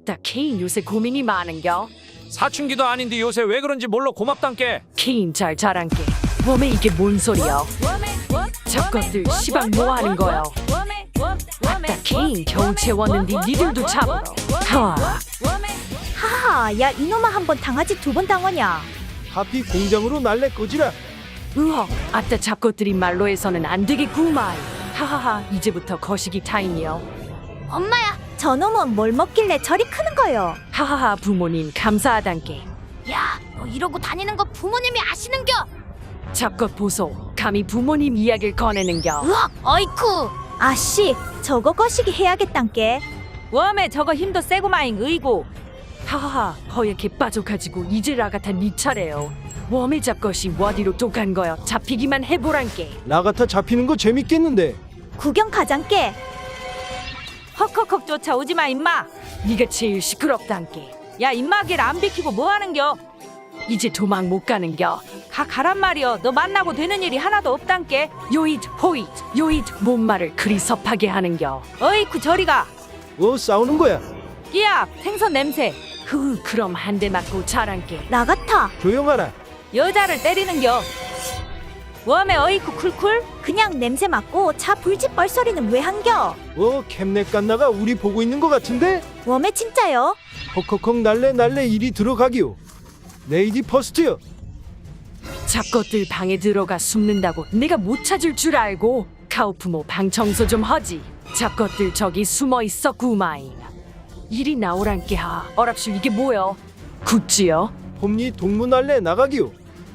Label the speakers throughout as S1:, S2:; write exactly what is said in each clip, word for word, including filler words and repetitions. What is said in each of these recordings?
S1: 아따 케인 요새 고민이 많은겨.
S2: 사춘기도 아닌데 요새 왜 그런지 몰라 고맙단께.
S1: 케인 잘 자란게. 웜에 이게 뭔 소리여? 저것들 시방 뭐하는 거요? 아따 케인 겨우 채웠는데 니들도 잡으러. 하와.
S3: 하하, 야 이놈아 한 번 당하지 두 번 당하냐?
S4: 하피 공장으로 날래 꺼지라.
S1: 으헉. 아따 잡것들이 말로 해서는 안 되겠구만. 하하하. 이제부터 거시기 타임이요.
S3: 엄마야, 저놈은 뭘 먹길래 저리 크는 거요?
S1: 하하하. 부모님 감사하단께.
S3: 야, 너 이러고 다니는 거 부모님이 아시는겨?
S1: 잡것 보소. 감히 부모님 이야기를 꺼내는겨.
S3: 으악, 어이쿠. 아씨, 저거 거시기 해야겠단께.
S5: 웜에 저거 힘도 세고마잉 의고.
S1: 하하하. 허옇게 빠져가지고 이제 라가타 니 차례요. 웜의 잡것이 어디로 또 간 거요? 잡히기만 해보란께.
S4: 라가타 잡히는 거 재밌겠는데.
S3: 구경 가장께.
S5: 헉헉헉 쫓아오지마 임마.
S1: 네가 제일 시끄럽단께.
S5: 야 임마길 안 비키고 뭐하는겨?
S1: 이제 도망 못 가는겨.
S5: 가 가란 말이여. 너 만나고 되는 일이 하나도 없단께.
S1: 요잇 호잇 요잇 뭔 말을 그리 섭하게 하는겨.
S5: 어이쿠 저리가.
S4: 어 싸우는 거야.
S5: 끼야 생선 냄새.
S1: 흐 그럼 한 대 맞고 자란께.
S3: 나같아.
S4: 조용하라.
S5: 여자를 때리는겨. 웜에 어이쿠 쿨쿨.
S3: 그냥 냄새 맡고 차 불집 뻘소리는 왜 한겨?
S4: 어 캡넷 갓나가 우리 보고 있는 거 같은데.
S3: 웜에 진짜요?
S4: 헉헉헉 날래 날래 이리 들어가기요. 레이디 퍼스트요.
S1: 잡것들 방에 들어가 숨는다고 내가 못 찾을 줄 알고. 카우프모 방 청소 좀 하지. 잡것들 저기 숨어 있어 구마잉. 이리 나오란께. 하 어랍쇼 이게 뭐여? 굿즈요?
S4: 홈니 동무 날래 나가기요.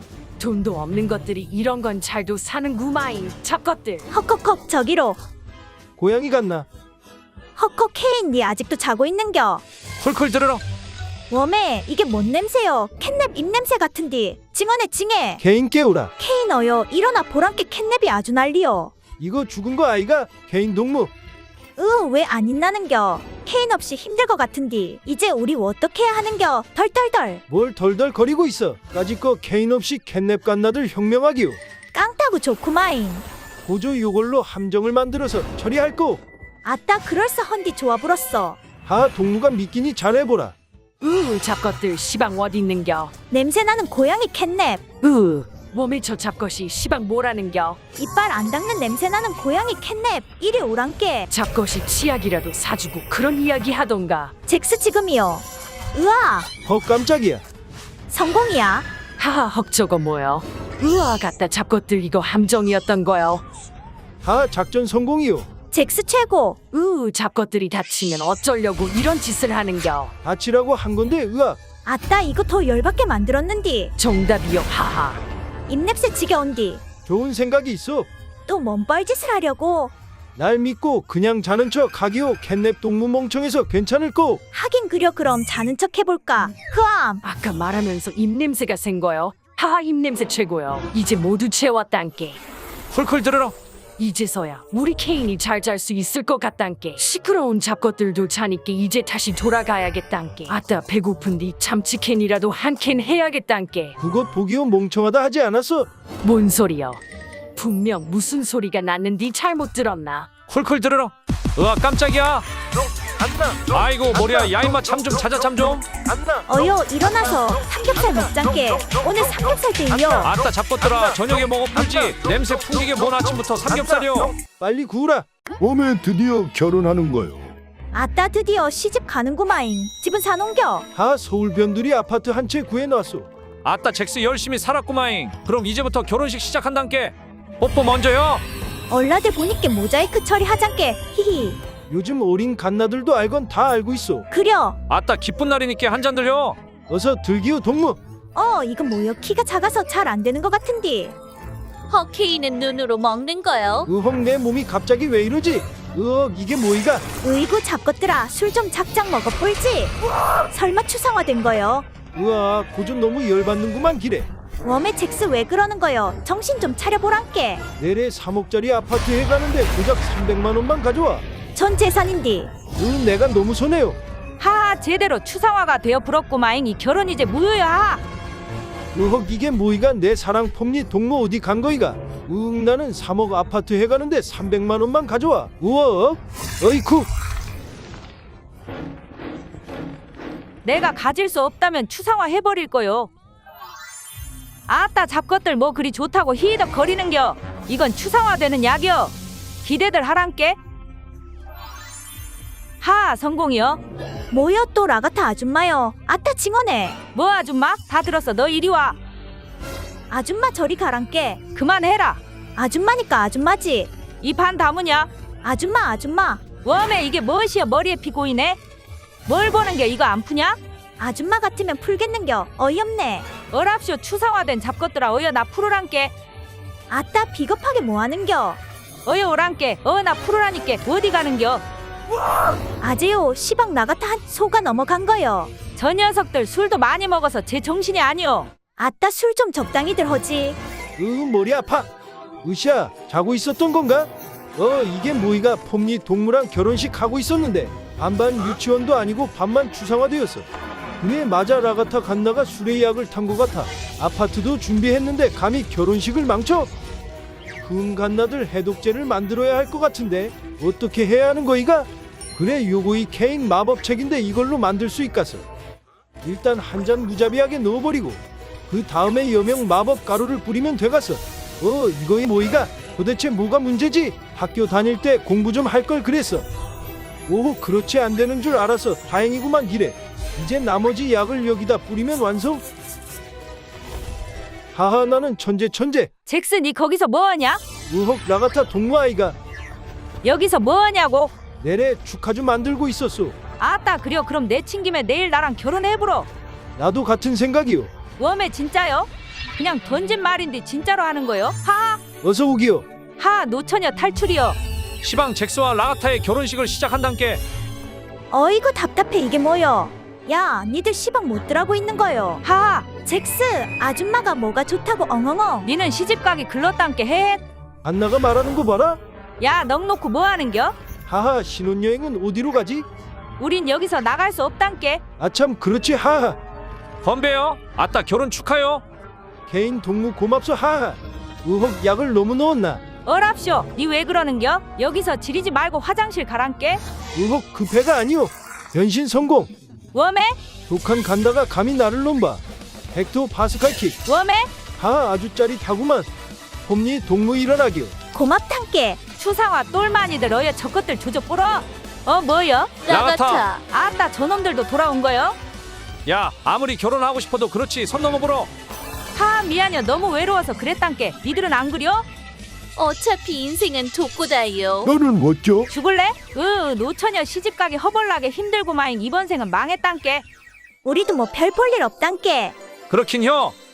S1: 돈도 없는 것들이 이런 건 잘도 사는 구마잉. 잡것들.
S3: 헉헉헉 저기로.
S4: 고양이 같나.
S3: 헉헉 케인 니 아직도 자고 있는겨?
S2: 콜콜 들으러.
S3: 웜에 이게 뭔 냄새요? 캣냅 입냄새 같은디. 징어네 징해.
S4: 개인 깨우라.
S3: 케인 어여 일어나 보란께 캣냅이 아주 난리요.
S4: 이거 죽은 거 아이가. 개인 동무.
S3: 으 왜 안 있나는겨? 케인 없이 힘들 것 같은디. 이제 우리 어떻게 해야 하는겨? 덜덜덜.
S4: 뭘 덜덜 거리고 있어. 까짓거 개인 없이 캣냅 갓나들 혁명하기요.
S3: 깡타구 좋구마인.
S4: 보조 요걸로 함정을 만들어서 처리할 거.
S3: 아따 그럴싸헌디 좋아 불었어.
S4: 하 동무가 믿기니 잘해보라.
S1: 으 잡것들 시방 어디 있는겨.
S3: 냄새나는 고양이 캣냅.
S1: 으 몸에 저 잡것이 시방 뭐라는겨.
S3: 이빨 안 닦는 냄새나는 고양이 캣냅. 이리 오란께.
S1: 잡것이 치약이라도 사주고 그런 이야기 하던가.
S3: 잭스 지금이요. 으아
S4: 헉 깜짝이야.
S3: 성공이야.
S1: 하하 헉 저거 뭐여. 으아 갖다 잡것들 이거 함정이었던 거요.
S4: 하 작전 성공이요.
S3: 잭스 최고.
S1: 으 잡것들이 다치면 어쩌려고 이런 짓을 하는겨.
S4: 다치라고 한 건데 으악.
S3: 아따 이거 더 열받게 만들었는디.
S1: 정답이요. 하하.
S3: 입냄새 지겨운디.
S4: 좋은 생각이 있어.
S3: 또 뭔 뻘짓을 하려고.
S4: 날 믿고 그냥 자는 척 하기요. 캣냅 동무 멍청해서 괜찮을 거.
S3: 하긴 그려 그럼 자는 척 해볼까. 흐암.
S1: 아까 말하면서 입냄새가 센 거요. 하하 입냄새 최고요. 이제 모두 채웠단께.
S2: 콜콜 들으러.
S1: 이제서야 우리 케인이 잘 잘 수 있을 것 같단께. 시끄러운 잡것들도 자니께 이제 다시 돌아가야겠단께. 아따 배고픈디 참치캔이라도 한 캔 해야겠단께.
S4: 그것 보기요 멍청하다 하지 않았어.
S1: 뭔 소리여. 분명 무슨 소리가 났는디 잘못 들었나.
S2: 콜콜 들으러. 으아 깜짝이야.
S4: 안나.
S2: 아이고 머리야. 야 임마 참 좀 찾아 참 좀.
S4: 안나.
S3: 어여 일어나서 삼겹살 먹장께. 오늘 삼겹살 데이요.
S2: 아따 잡것들아 저녁에 먹어 풀지. 냄새 풍기게 뭔 아침부터 삼겹살이요.
S4: 빨리 구우라.
S6: 웜에 드디어 결혼하는 거요.
S3: 아따 드디어 시집 가는구마잉. 집은 사놓은겨.
S4: 하 서울 변두리 아파트 한 채 구해놨소.
S2: 아따 잭스 열심히 살았구마잉. 그럼 이제부터 결혼식 시작한단께. 뽀뽀 먼저요.
S3: 얼라들 보니께 모자이크 처리하장께. 히히.
S4: 요즘 어린 갓나들도 알건 다 알고 있어.
S3: 그려.
S2: 아따 기쁜 날이니까 한 잔 들려.
S4: 어서 들기요 동무.
S3: 어 이건 뭐여 키가 작아서 잘 안 되는 것 같은디.
S7: 허케이는 눈으로 먹는 거요.
S4: 으헉 내 몸이 갑자기 왜 이러지. 으억 이게 뭐이가.
S3: 으이구 잡것들아 술 좀 작작 먹어 볼지. 설마 추상화된 거요?
S4: 으악 고좀 너무 열받는구만 기래.
S3: 웜에 잭스 왜 그러는 거요? 정신 좀 차려보란께.
S4: 내래 삼억짜리 아파트 해가는데 고작 삼백만 원만 가져와.
S3: 전 재산인디.
S4: 으 내가 너무 손해요.
S5: 하하 제대로 추상화가 되어 불었고마잉. 이 결혼 이제 무효야.
S4: 으헉 이게 뭐이가. 내 사랑 폼니 동무 어디 간 거이가. 으응 나는 삼억 아파트 해가는데 삼백만 원만 가져와. 우억 어이쿠.
S5: 내가 가질 수 없다면 추상화 해버릴 거요. 아따 잡것들 뭐 그리 좋다고 히덕 거리는겨. 이건 추상화되는 약이여. 기대들 하란께. 하 성공이여.
S3: 뭐여 또 라가타 아줌마여. 아따 징어네.
S5: 뭐 아줌마? 다 들었어. 너 이리 와.
S3: 아줌마 저리 가란께.
S5: 그만해라.
S3: 아줌마니까 아줌마지.
S5: 이 반 다무냐?
S3: 아줌마 아줌마.
S5: 웜에 이게 무엇이여. 머리에 피 고이네. 뭘 보는 게 이거 안 푸냐?
S3: 아줌마 같으면 풀겠는겨. 어이없네.
S5: 어랍쇼 추상화된 잡것들아. 어여 나 풀으란께.
S3: 아따 비겁하게 뭐하는겨.
S5: 어여 오란께. 어 나 풀으라니께. 어디 가는겨?
S3: 아재요 시방 라가타 한 소가 넘어간 거요.
S5: 저 녀석들 술도 많이 먹어서 제 정신이 아니오.
S3: 아따 술 좀 적당히들 허지.
S4: 으 머리 아파. 으쌰 자고 있었던 건가? 어 이게 뭐이가 폼니 동무랑 결혼식 하고 있었는데 반반 유치원도 아니고 반만 추상화되었어. 그래 맞아 라가타 간나가 술의 약을 탄 것 같아. 아파트도 준비했는데 감히 결혼식을 망쳐? 흠 간나들 해독제를 만들어야 할 것 같은데 어떻게 해야 하는 거이가? 그래 요거이 케인 마법책인데 이걸로 만들 수 있겠어. 일단 한 잔 무자비하게 넣어버리고 그 다음에 여명 마법 가루를 뿌리면 되겠어. 어 이거이 뭐이가 도대체 뭐가 문제지? 학교 다닐 때 공부 좀 할 걸 그랬어. 오 그렇지 안 되는 줄 알아서 다행이구만 이래. 이제 나머지 약을 여기다 뿌리면 완성. 하하 나는 천재 천재.
S5: 잭스 니 거기서 뭐하냐?
S4: 우헉 라가타 동무 아이가
S5: 여기서 뭐하냐고?
S4: 내래 축하 좀 만들고 있었소.
S5: 아따 그려. 그럼 내친 김에 내일 나랑 결혼해보러.
S4: 나도 같은 생각이요.
S5: 웜에 진짜요? 그냥 던진 말인데 진짜로 하는 거요? 하하.
S4: 어서 오기요.
S5: 하 노처녀 탈출이요.
S2: 시방 잭스와 라가타의 결혼식을 시작한단께.
S3: 어이구 답답해 이게 뭐여. 야 니들 시방 못 들하고 있는 거요.
S5: 하하.
S3: 잭스 아줌마가 뭐가 좋다고 엉엉엉.
S5: 니는 시집가기 글렀단께 해.
S4: 안나가 말하는 거 봐라.
S5: 야 넋 놓고 뭐하는겨?
S4: 하하 신혼여행은 어디로 가지?
S5: 우린 여기서 나갈 수 없단께.
S4: 아참 그렇지 하하.
S2: 건배요. 아따 결혼 축하요.
S4: 개인 동무 고맙소 하하. 우헉 약을 너무 넣었나?
S5: 어랍쇼 니 왜 그러는겨? 여기서 지리지 말고 화장실 가란께.
S4: 우헉 그 배가 아니오. 변신 성공.
S5: 웜에?
S4: 독한 간다가 감히 나를 넘봐. 헥토 파스칼킥.
S5: 웜에?
S4: 하하 아주 짜릿하구만. 홈니 동무 일어나기요.
S3: 고맙단께.
S5: 추상화 똘마니들 어여 저것들 조져 뿌러. 어 뭐여?
S7: 라가타.
S5: 아따 저놈들도 돌아온 거요?
S2: 야 아무리 결혼하고 싶어도 그렇지 선 넘어보러.
S5: 하 미안여 너무 외로워서 그랬단께. 니들은 안 그려?
S7: 어차피 인생은 독고다요.
S6: 너는 뭐죠?
S5: 죽을래? 으 노처녀 시집가기 허벌나게 힘들고마잉. 이번 생은 망했단께.
S3: 우리도 뭐 별 볼 일 없단께.
S2: 그렇긴요.